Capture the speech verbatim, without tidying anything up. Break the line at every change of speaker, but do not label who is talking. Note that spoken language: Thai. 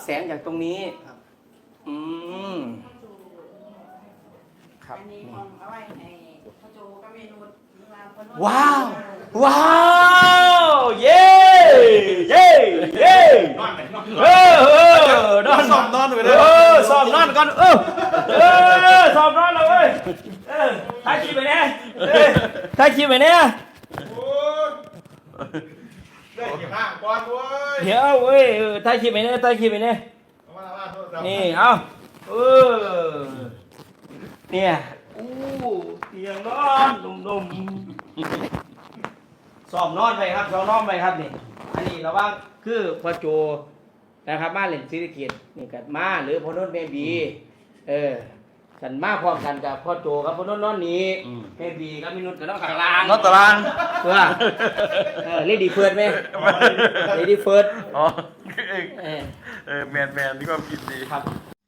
แสงจากตรงนี้อืมครับ
อันนี้ของเอาไว้ให้พ่อโจก็เมนู
ว้าวว้าวเย้เย้เย้เออเออนอน
ซ้อมนอนไปเลย
เออซ้อมนอนก่อนเออเออซ้อมนอนแล้วเว้ยเออถ่ายคลิปไปเนี่ยเออถ่ายคลิปไปเนี่ย
ได้กี่ห้างก่อนเว้ย
เดี๋ยวเว้ยเออถ่ายคลิปไปเนี่ยถ่ายคลิปไปเนี่ย
เอามาเอามาโทษครับ
นี่เอาเออเนี่ยอู้เตียงนอนนุ่มๆซ้อมนอนไปครับซ้อมนอนไปครับนี่อันนี้ระวังคือพ่อโจนะครับมาเล่นซีรีส์เกียรตินี่กัดมาหรือพ่อโนนท์แม่บีเออกันมาพร้อมกันกับพ่อโจกับพ่อโนนท์นอนนี้แม่บีกับมินุษกับน้องข้างล่าง
นอนตาราง
เพื่อเออเลดี้เฟิร์สไหมเลดี้เฟิร์ส
อ๋อ
เออ
เออแมนแมนนี่ก็ผิดดี
ครับ